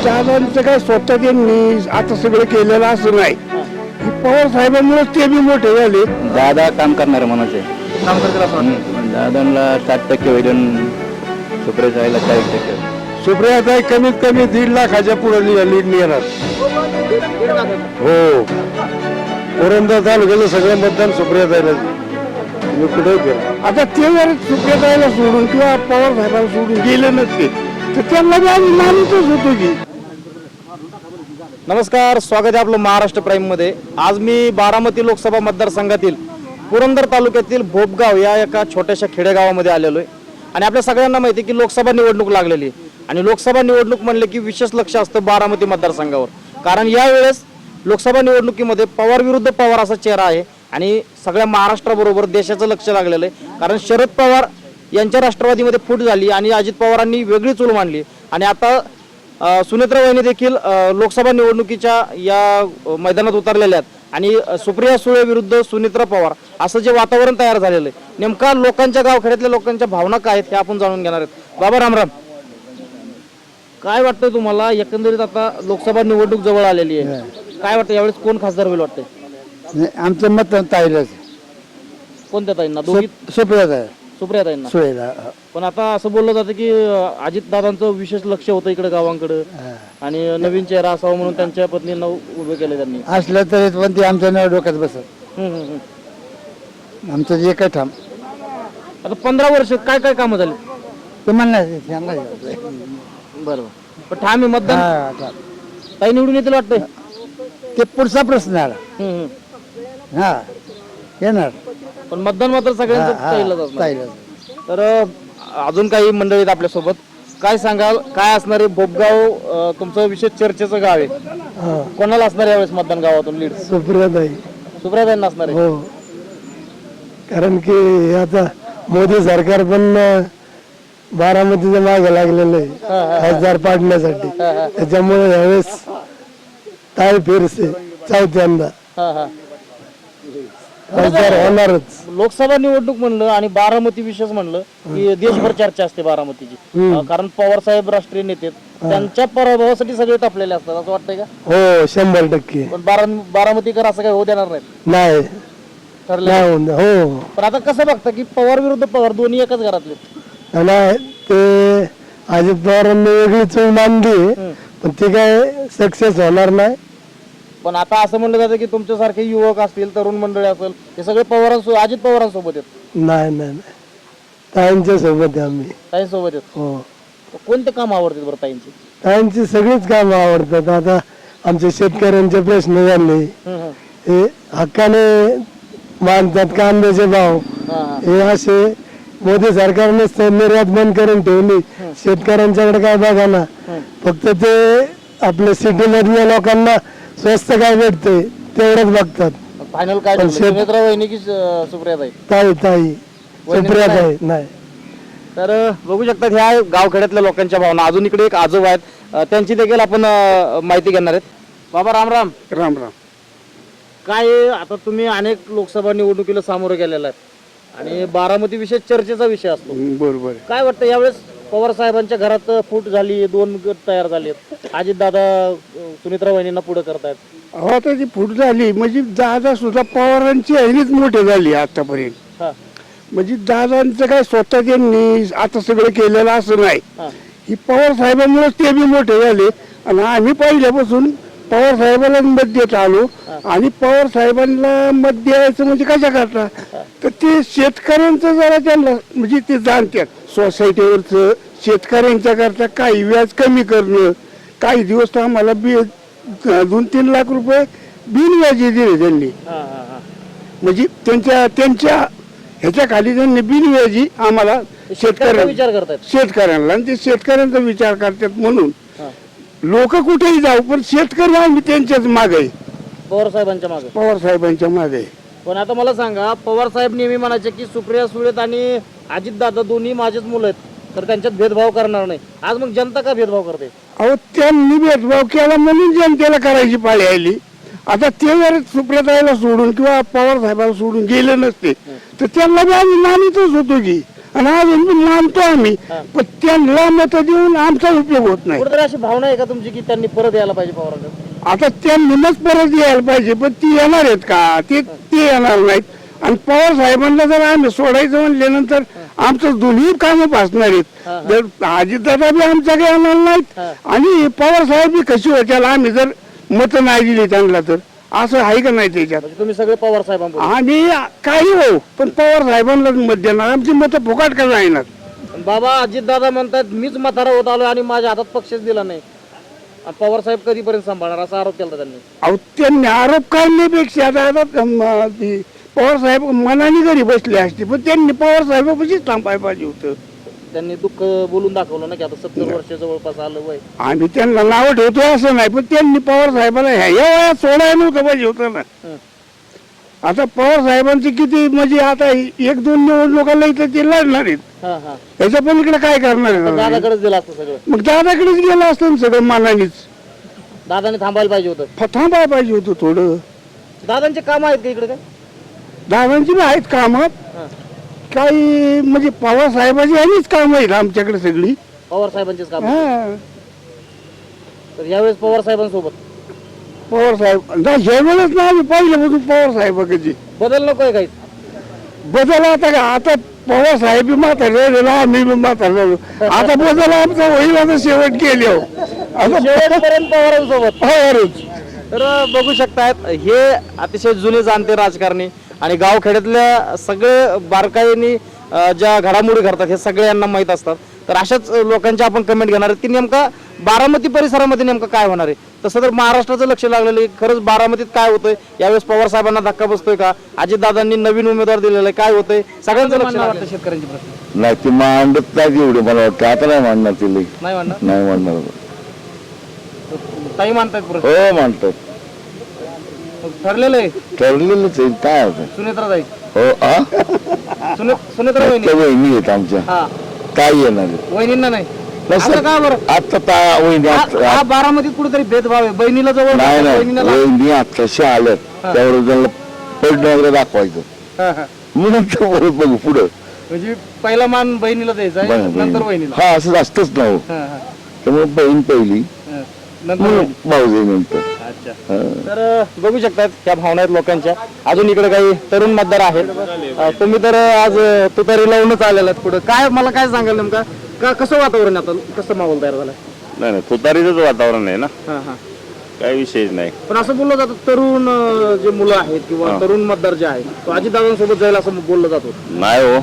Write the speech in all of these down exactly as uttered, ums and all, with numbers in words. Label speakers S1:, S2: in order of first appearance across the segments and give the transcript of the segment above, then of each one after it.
S1: दादांचं काय स्वतः त्यांनी आता सगळं केलेलं असं नाही. पवार साहेबांमुळे ते बी मोठे झाले.
S2: दादा काम करणार म्हणायचे
S3: काम करतील असं वाटतं.
S2: दादांना साठ टक्के होईल सुप्रिया साहेबला चाळीस टक्के.
S1: सुप्रियाताई कमीत कमी दीड लाखाच्या पुढे लीड येणार. हो, पुरंदर तालुक्याचं सगळं मतदान सुप्रियाताईला मी कुठे केलं. आता ते जर सुप्रियाताईला सोडून किंवा पवार साहेबांना सोडून गेले नसते तर त्यांना बी आम्ही मानतच होतो की.
S3: नमस्कार, स्वागत आहे आपलं महाराष्ट्र प्राईम मध्ये. आज मी बारामती लोकसभा मतदारसंघातील पुरंदर तालुक्यातील भोपगाव या एका छोट्याशा खेडेगावामध्ये आलेलो आहे. आणि आपल्या सगळ्यांना माहिती आहे की लोकसभा निवडणूक लागलेली आहे. आणि लोकसभा निवडणूक म्हणले की विशेष लक्ष असतं बारामती मतदारसंघावर. कारण यावेळेस लोकसभा निवडणुकीमध्ये पवार विरुद्ध पवार असा चेहरा आहे. आणि सगळ्या महाराष्ट्राबरोबर देशाचं लक्ष लागलेलं आहे. कारण शरद पवार यांच्या राष्ट्रवादीमध्ये फूट झाली आणि अजित पवारांनी वेगळी चूल मांडली. आणि आता सुनेत्रा वहिनी देखील लोकसभा निवडणुकीच्या या मैदानात उतरलेल्या आहेत. आणि सुप्रिया सुळे विरुद्ध सुनेत्रा पवार असं जे वातावरण तयार झालेलं आहे, नेमका लोकांच्या गावखेड्यातल्या लोकांच्या भावना काय आहेत हे आपण जाणून घेणार आहेत. बाबा रामराम, काय वाटतंय तुम्हाला? एकंदरीत आता लोकसभा निवडणूक जवळ आलेली आहे, काय वाटतं यावेळेस कोण खासदार होईल वाटतंय?
S1: आमचं मत ताईलाच.
S3: कोणत्या ताईंना? दोघी
S1: सुप्रियाताई.
S3: सुप्रिया ताईंना.
S1: सुळेला.
S3: पण आता असं बोललं जातं की अजित दादांचं विशेष लक्ष होतं इकडे गावांकडे आणि नवीन चेहरा असावा म्हणून त्यांच्या पत्नींना उभे केले त्यांनी.
S1: असलं तरी पण ते आमच्या नाव डोक्यात बसत.
S3: हम्म, हम्म, हम्म.
S1: आमचं जे काय ठाम
S3: आता पंधरा वर्ष काय काय कामं झाली?
S1: ते म्हणणार.
S3: बरोबर, पण ठाम आहे मतदान ताई निवडून येतील वाटतंय?
S1: ते पुढचा प्रश्न आला.
S3: हम्म, हम्म.
S1: हा, येणार.
S3: पण मतदान मात्र सगळ्यांचं ताईलाच असणार.
S1: ताईलाच.
S3: तर अजून काही मंडळी आहेत आपल्या सोबत. काय सांगाल, काय असणार आहे भोपगाव? अं, तुमचं विशेष चर्चेचं गाव आहे, कोणाला असणार यावेळेस मतदान गावातून लीड?
S1: सुप्रियाताई.
S3: सुप्रियाताईंना असणार आहे.
S1: हो, कारण की आता मोदी सरकार पण बारामतीच्या मागे लागलेलं आहे खासदार पाडण्यासाठी. त्याच्यामुळे यावेळेस ताई फिरसे चौथ्यांदा
S3: हा हा
S1: खासदार होणारच.
S3: लोकसभा निवडणूक म्हणलं आणि बारामती विशेष म्हणलं की देशभर चर्चा असते बारामतीची. अं, कारण पवार साहेब राष्ट्रीय नेते आहेत. त्यांच्या पराभवासाठी सगळे तापलेले असतात असं वाटतंय का?
S1: हो, शंभर टक्के.
S3: पण बारा बारामतीकर असं काही होऊ देणार नाहीत
S1: नाही
S3: ठरले.
S1: नाही होऊन- हो,
S3: पण आता कसं बघता की पवार विरुद्ध पवार दोन्ही एकाच घरातले?
S1: नाही, ते अजित पवारांनी वेगळी चूल मांडली पण ती काय सक्सेस होणार नाही.
S3: पण आता असं म्हणलं जातं की तुमच्यासारखे युवक असतील, तरुण मंडळी असेल, हे सगळे पवारांसोबत अजित पवारांसोबत आहेत.
S1: नाही नाही नाही, ताईंच्या सोबत आहे आम्ही.
S3: ताईंसोबत आहेत.
S1: हो,
S3: कोणते काम आवडतात बरं ताईंचे?
S1: ताईंची सगळीच कामं आवडतात. आता आमचे शेतकऱ्यांचे प्रश्न झाले
S3: हम्म, हम्म.
S1: हे हक्काने मानतात. कांद्याचे भाव
S3: हा, हा.
S1: हे असे मोदी सरकारनेच निर्यात बंद करून ठेवली. शेतकऱ्यांच्याकडे काय बघा ना, फक्त ते आपल्या सिटी मधल्या लोकांना स्वस्त काय भेटते तेवढंच बघतात.
S3: फायनल काय ठरलं? सुनेत्रा वहिनी की अं, सुप्रियाताई?
S1: ताई ताई सुप्रियाताई नाही.
S3: तर अं, बघू शकतात ह्या गावखेड्यातल्या लोकांच्या भावना. अजून इकडे एक आजोबा आहेत, अं, त्यांची देखील आपण अं, माहिती घेणार आहेत. बाबा राम राम.
S1: राम राम.
S3: काय आहे, आता तुम्ही अनेक लोकसभा निवडणुकीला सामोरं गेलेला आहे आणि बारामती विषय चर्चेचा विषय असतो.
S1: बरोबर.
S3: काय वाटतं यावेळेस पवार साहेबांच्या घरात फूट झाली, दोन गट तयार झाले, अजित दादा सुनेत्रा वहिनींना पुढे करतायत?
S1: अहो, आता ती फूट झाली म्हणजे दादा सुद्धा पवारांची आहेच मोठे झाली आतापर्यंत.
S3: हा
S1: म्हणजे दादांचं काय स्वतः त्यांनी आता सगळं केलेलं असं नाही.
S3: हा
S1: ही पवार साहेबांमुळे ते बी मोठे झाले. आणि आम्ही पहिल्यापासून पवार साहेबांना मत देत आलो. आणि पवार साहेबांना मत द्यायचं म्हणजे कशा करता, तर ते शेतकऱ्यांचं जरा त्यांना म्हणजे ते जाणतात. सोसायटीवरचं शेतकऱ्यांच्या करता काही व्याज कमी करणं, काही दिवस तर आम्हाला बी दोन तीन लाख रुपये बिनव्याजी दिले त्यांनी.
S3: हा हा
S1: म्हणजे त्यांच्या त्यांच्या ह्याच्या खाली त्यांनी बिनव्याजी आम्हाला शेतकऱ्यांना
S3: विचार करतायत
S1: शेतकऱ्यांना आणि ते शेतकऱ्यांचा विचार करतात. म्हणून
S3: हा.
S1: लोक कुठेही जाऊ पण शेतकरी आम्ही त्यांच्याच मागे आहे,
S3: पवार साहेबांच्या मागे.
S1: पवार साहेबांच्या मागे आहे.
S3: पण आता मला सांगा, पवार साहेब नेहमी म्हणायचे की सुप्रिया सुळेत आणि अजित दादा दोन्ही माझेच मुलं आहेत, तर त्यांच्यात भेदभाव करणार नाही. आज मग जनता का भेदभाव करते?
S1: अहो, त्यांनी भेदभाव केला म्हणून जनतेला करायची पाळी आली. आता ते जर सुप्रियाताईला सोडून किंवा पवार साहेबांना सोडून गेले नसते तर त्यांना बी आम्ही मानितच होतो की. आणि अजून बी मानतो आम्ही, पण त्यांना मत देऊन आमचा उपयोग होत नाही.
S3: कुठेतरी अशी भावना आहे का तुमची की त्यांनी परत यायला पाहिजे पवारांकडे?
S1: आता त्यांनीच परत यायला पाहिजे, पण ती येणार आहेत का? ते ते येणार नाहीत. आणि पवार साहेबांना जर आम्ही सोडायचं म्हणल्यानंतर आमचं दोन्ही कामं भासणार आहेत. जर अजितदादा बी आमच्याकडे येणार नाहीत आणि पवार साहेब बी कशी होत्याल आम्ही जर मत नाही दिली त्यांना, तर असं आहे का नाही त्याच्यात?
S3: म्हणजे तुम्ही सगळे पवार साहेबांबरोबर?
S1: आणि काही हो, पण पवार साहेबांनाच मत देणार. आमची मतं फुकाट का जाणार?
S3: बाबा अजितदादा म्हणतात मीच म्हातारा होत आलो आणि माझ्या हातात पक्षच दिला नाही, आणि पवार साहेब कधीपर्यंत सांभाळणार असा आरोप केला त्यांनी.
S1: अहो त्यांनी आरोप करण्यापेक्षा आता आता अं, ती पवार साहेब मनाने घरी बसले असते, पण त्यांनी पवार साहेबापाशीच थांबायला पाहिजे होतं.
S3: त्यांनी दुःख बोलून दाखवलं ना की आता सत्तर वर्ष जवळपास आलं वय.
S1: आम्ही त्यांना नाव ठेवतो असं नाही, पण त्यांनी पवार साहेबाला ह्या या वयात सोडायला नव्हतं पाहिजे होतं ना. आता पवार साहेबांची किती म्हणजे आता एक दोन निवडणुकाला इथं ते लढणार आहेत,
S3: हा हा
S1: त्याच्या पलीकडे काय करणार आहेत?
S3: दादाकडेच दिलं असतं सगळं.
S1: मग दादाकडेच गेलं असतं ना सगळं मनानेच.
S3: दादाने थांबायला पाहिजे होतं.
S1: फ- थांबायला पाहिजे होतं थोडं.
S3: दादांचे काम आहेत का इकडे काय?
S1: दादांची बी आहेत कामं,
S3: हा.
S1: काही म्हणजे पवार साहेबाची यांनीच कामं आहेत आमच्याकडे सगळी.
S3: पवार साहेबांचेच काम.
S1: हा
S3: तर यावेळेस पवार साहेबांसोबत
S1: पवार साहेब नाही, हे वेळेस ना आम्ही पहिल्यापासून पवार साहेबाकडे
S3: बदल नकोय काही?
S1: बदल आता का आता पवार साहेब बी म्हातारे झालेलो, आम्ही बी म्हातारे झालो. आता बदल आमचा होईल आता शेवट केले हो. आता
S3: शेवटपर्यंत पवारांसोबत.
S1: पवारच.
S3: तर बघू शकतात हे अतिशय जुने जाणते राजकारणी आणि गावखेड्यातल्या सगळे बारकाईनी अ, ज्या घडामोडी घडतात हे सगळे यांना माहीत असतात. तर अशाच लोकांच्या आपण कमेंट घेणार आहे की नेमका बारामती परिसरामध्ये नेमकं काय होणार आहे. तसं तर महाराष्ट्राचं लक्ष लागलेलं आहे. खरंच बारामतीत काय होतंय, यावेळेस पवार साहेबांना धक्का बसतोय का, अजितदादांनी नवीन उमेदवार दिलेला आहे, काय होतंय, सगळ्यांचं लक्ष वाटतं शेतकऱ्यांचे प्रश्न.
S4: नाही ती मांडत नाही एवढे मला वाटतं, आता नाही मांडणार ती लई.
S3: नाही म्हणणार
S4: नाही मांडणार.
S3: ताई मानतायत प्रश्न.
S4: हो मांडतात,
S3: ठरलेलं आहे
S4: ठरलेलंच आहे काय होतं.
S3: सुनेत्रा ताई.
S4: हो आ
S3: सुने सुनेत्रा वहिनी.
S4: त्या वहिनी आहेत आमच्या,
S3: हा
S4: काय येणार आहे?
S3: वहिनींना नाही.
S4: नसतं.
S3: असं का बरं?
S4: आता ता वहिनी
S3: हा
S4: आता-
S3: हा बारामतीत कुठेतरी भेदभाव आहे. बहिणीला जवळ
S4: नाही नाही
S3: बहिणीला लांब.
S4: वहिनी आत्ताशी आल्यात त्यावर त्यांना पडणं वगैरे दाखवायचं
S3: हा, हा.
S4: म्हणून तर परत बघू पुढं.
S3: म्हणजे पहिला मान बहिणीला द्यायचा आहे,
S4: बहिणी-
S3: नंतर वहिनीला.
S4: हा असं असतंच ना हो.
S3: हा, हा,
S4: त्यामुळे बहीण पहिली
S3: हा. नंतर
S4: म्हणून
S3: वहिनी.
S4: भाऊजाई नंतर.
S3: अच्छा.
S4: हा.
S3: तर अ, बघू शकतात ह्या भावना आहेत लोकांच्या. अजून इकडे काही तरुण मतदार आहेत. अ, तुम्ही तर आज अ, तुतारी लावूनच आलेला आहेत पुढे. काय मला काय सांगाल नेमका का कसं वातावरण आहे आता, कसं माहोल तयार झालाय?
S5: नाही नाही तुतारीचंच वातावरण आहे ना,
S3: हा हा
S5: काही विषयच नाही.
S3: पण असं बोललं जातं तरुण अ, जे मुलं आहेत किंवा तरुण मतदार जे आहेत तो अजितदादांसोबत जाईल असं बोललं जातो.
S5: नाही हो,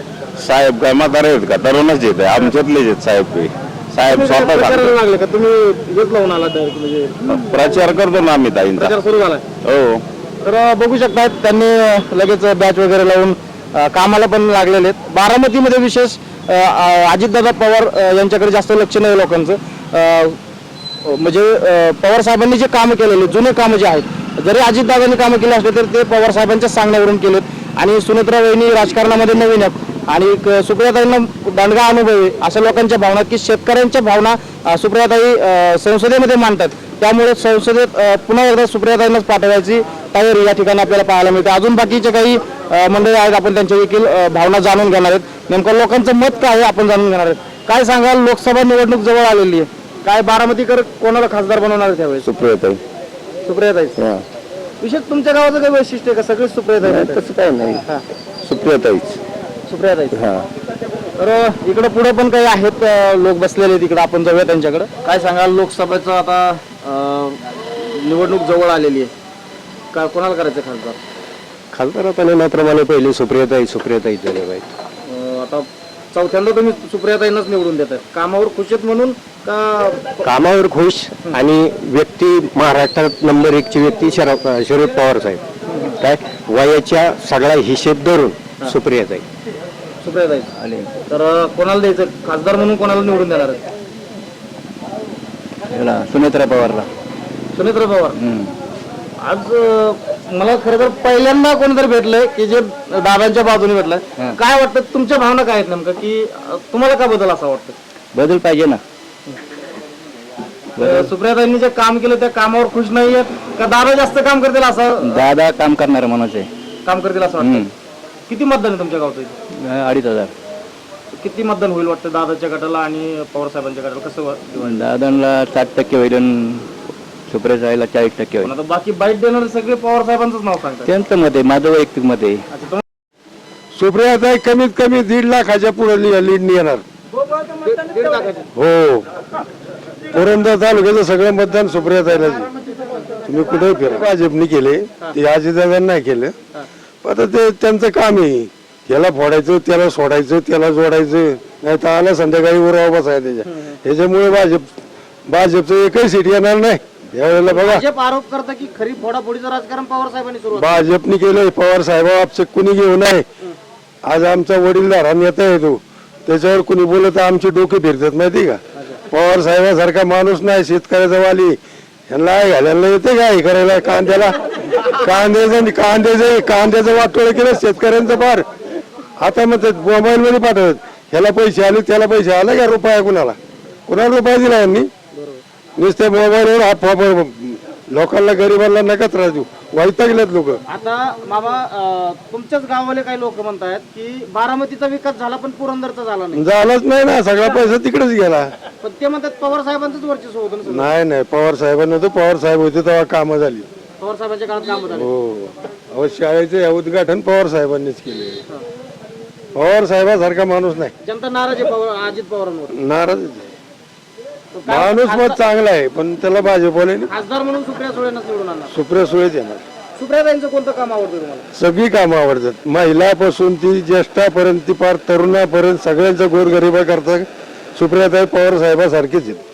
S5: साहेब काय म्हातारे आहेत का, तरुणच येत आहे, आमच्यातलेच आहेत साहेब. काही साहेब
S3: तुम्ही काय
S5: स्वतः
S3: प्रचाराला
S5: सांगतात.
S3: लागले का तुम्ही हेच लावून आला direct म्हणजे
S5: प्रचार करतो ना आम्ही ताईंचा.
S3: प्रचार सुरू झालाय?
S5: हो
S3: तर अ, बघू शकतात त्यांनी अ, लगेच बॅच वगैरे लावून अ, कामाला पण लागलेले आहेत. बारामतीमध्ये विशेष अ, अ, अजितदादा पवार अ, यांच्याकडे जास्त लक्ष नाही लोकांचं. अ, म्हणजे अ, पवार साहेबांनी जे कामं केलेले जुने कामं जे आहेत, जरी अजितदादांनी कामं केली असले तर ते पवार साहेबांच्या सांगण्यावरून केलेत. आणि सुनेत्रा वहिनी राजकारणामध्ये नवीन आहेत आणि क- सुप्रियाताईंना दांडगा अनुभव आहे. अशा लोकांच्या भावना की शेतकऱ्यांच्या भावना अ, सुप्रियाताई अ, संसदेमध्ये मांडतात. त्यामुळे संसदेत अ, पुन्हा एकदा सुप्रियाताईंनाच पाठवायची तयारी या ठिकाणी आपल्याला पाहायला मिळते. अजून बाकीचे काही अ, मंडळी आहेत, आपण त्यांच्या देखील अ, भावना जाणून घेणार आहेत. नेमकं लोकांचं मत काय आहे आपण जाणून घेणार आहेत. काय सांगाल, लोकसभा निवडणूक जवळ आलेली आहे, काय बारामतीकर कोणाला खासदार बनवणार आहे त्यावेळेस?
S4: सुप्रियाताई.
S3: सुप्रियाताई.
S4: हा.
S3: विशेष तुमच्या गावाचं काही वैशिष्ट्य आहे का, सगळेच सुप्रियाताई आहेत?
S4: तसं काय नाही,
S3: हा,
S4: सुप्रियाताईच.
S3: सुप्रियाताई.
S4: हा.
S3: तर इकडे पुढे पण काही आहेत अ, लोक बसलेले तिकडे, आपण जाऊया त्यांच्याकडे. काय सांगाल, लोकसभेचं आता अ, निवडणूक जवळ आलेली आहे, काय कोणाला करायचं खासदार?
S6: खासदार आता नेण्याप्रमाणे पहिले सुप्रियाताई सुप्रियाताई झाले पाहिजे.
S3: अ, आता चौथ्यांदा तुम्ही सुप्रियाताईंनाच निवडून देताय, कामावर खुश आहेत म्हणून का?
S6: कामावर खुश आणि व्यक्ती महाराष्ट्रात नंबर एकची व्यक्ती शरद शरद पवार साहेब. काय वयाच्या सगळा हिशेब धरून सुप्रियाताई.
S3: सुप्रियाताई आले तर अ, कोणाला द्यायचं खासदार म्हणून, कोणाला निवडून देणार आहेत?
S2: ह्याला सुनेत्रा पवारला.
S3: सुनेत्रा पवार. आज अ, मला खरं तर पहिल्यांदा कोणीतरी भेटलंय की जे दादांच्या बाजूने भेटलंय. काय वाटतं, तुमच्या भावना काय आहेत नेमकं, की अ, तुम्हाला काय बदल असा वाटतं?
S2: बदल पाहिजे ना.
S3: अ, सुप्रियाताईंनी जे काम केलं त्या कामावर खुश नाही आहेत का दादा जास्त काम करतील असं
S2: दादा काम करणार माणूस आहे.
S3: काम करतील असं वाटतं? किती मतदान आहे तुमच्या गावचं इथे?
S2: अं, अडीच हजार.
S3: किती मतदान होईल वाटतं दादाच्या गटाला आणि पवार साहेबांच्या गटाला, कसं वा-
S2: दादांना साठ टक्के होईल आणि सुप्रियाताईला चाळीस टक्के होईल.
S3: पण आता बाकी बाईट देणारे सगळे पवार साहेबांचंच नाव सांगतात.
S2: त्यांचं मत आहे, माझं वैयक्तिक मत आहे.
S3: अच्छा, तुम-
S1: सुप्रियाताई कमीत कमी दीड लाखाच्या पुढे लीड येणार.
S3: दीड लाखाचे.
S1: हो, पुरंदर तालुक्याचं सगळं मतदान सुप्रियाताईलाच आहे. तुम्ही कुठे फिरा, भाजपने केले ते अजितदादांनी नाही केलं. आता ते त्यांचं काम आहे, त्याला फोडायचं, त्याला सोडायचं, त्याला जोडायचं, नाही तर आला संध्याकाळी वर बसायचं त्याच्या. त्याच्यामुळे भाजप भाजपचं एकही सीट येणार नाही यावेळेला. बघा,
S3: भाजप आरोप करता की खरी फोडाफोडीचं राजकारण पवार साहेबांनी सुरू
S1: भाजपने केलंय. पवार साहेब आपचं कुणी घेऊ नये. आज आमचा वडीलधारा नेता आहे तो, त्याच्यावर कुणी बोलत आमचे डोके फिरतात माहिती का. पवार साहेबासारखा माणूस नाही, शेतकऱ्याचा वाली. ह्यांना घालायला येते काय करायला, कांद्याला कांद्याचं कांद्याचं कांद्याचं वाटोळ केलं शेतकऱ्यांचं फार. आता मग मोबाईल मध्ये पाठवत, ह्याला पैसे आले त्याला पैसे आले का, रुपया कुणाला कुणाला रुपया दिला यांनी. नुसते मोबाईलवर हा लोकांना गरिबांना नका त्रास देऊ, वैतागलेत लोक.
S3: आता मामा, अं, तुमच्याच गावाले काही लोक म्हणतात की बारामतीचा विकास झाला पण पुरंदरचा झाला नाही.
S1: झालंच नाही ना, सगळा पैसा तिकडेच गेला.
S3: पण ते म्हणतात पवार साहेबांचंच वर्चस्व होतं ना सगळं.
S1: नाही नाही, पवार साहेबांना होतं, पवार साहेब होते तेव्हा कामं झाली.
S3: पवार साहेबांच्या काळात काम झालं.
S1: हो, अहो शाळेचे उद्घाटन पवार साहेबांनीच केले. पवार साहेबासारखा माणूस नाही.
S3: जनता नाराज आहे पवार अजित पवारांवर.
S1: नाराज माणूस मत चांगला आहे, पण त्याला भाजपवाले
S3: खासदार म्हणून सुप्रिया सुळेंनाच निवडून आणणार.
S1: सुप्रिया सुळेच येणार.
S3: सुप्रियाताईंचं कोणतं काम आवडतं तुम्हाला?
S1: सगळी कामं आवडतात, महिलापासून ती ज्येष्ठापर्यंत ती पार तरुणापर्यंत सगळ्यांचा गोरगरिबा करतात. सुप्रियाताई पवार साहेबासारखीच आहेत.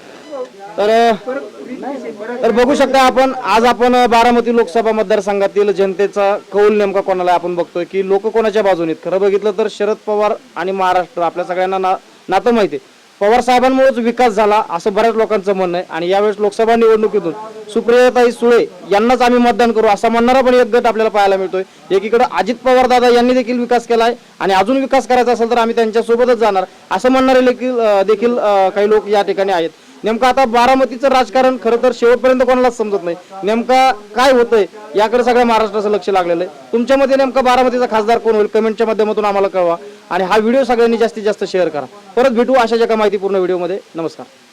S3: तर तर बघू शकता आपण, आज आपण बारामती लोकसभा मतदारसंघातील जनतेचा कौल नेमका कोणाला आपण बघतोय की लोक कोणाच्या बाजूने आहेत. खरं बघितलं तर शरद पवार आणि महाराष्ट्र आपल्या सगळ्यांना ना नातं माहिती आहे. पवार साहेबांमुळेच विकास झाला असं बऱ्याच लोकांचं म्हणणं आहे. आणि यावेळेस लोकसभा निवडणुकीतून सुप्रियाताई सुळे यांनाच आम्ही मतदान करू असं म्हणणारा पण एक गट आपल्याला पाहायला मिळतोय. एकीकडे अजित पवार दादा यांनी देखील विकास केलाय आणि अजून विकास करायचा असेल तर आम्ही त्यांच्या सोबतच जाणार असं म्हणणारे देखील देखील काही लोक या ठिकाणी आहेत. नेमकं आता बारामतीचं राजकारण खरं तर शेवटपर्यंत कोणालाच समजत नाही. नेमका काय होतंय याकडे सगळ्या महाराष्ट्राचं लक्ष लागलेलं आहे. तुमच्यामध्ये नेमका बारामतीचा खासदार कोण होईल कमेंटच्या माध्यमातून आम्हाला कळवा आणि हा व्हिडिओ सगळ्यांनी जास्तीत जास्त शेअर करा. परत भेटू अशाच एका माहितीपूर्ण व्हिडिओमध्ये. नमस्कार.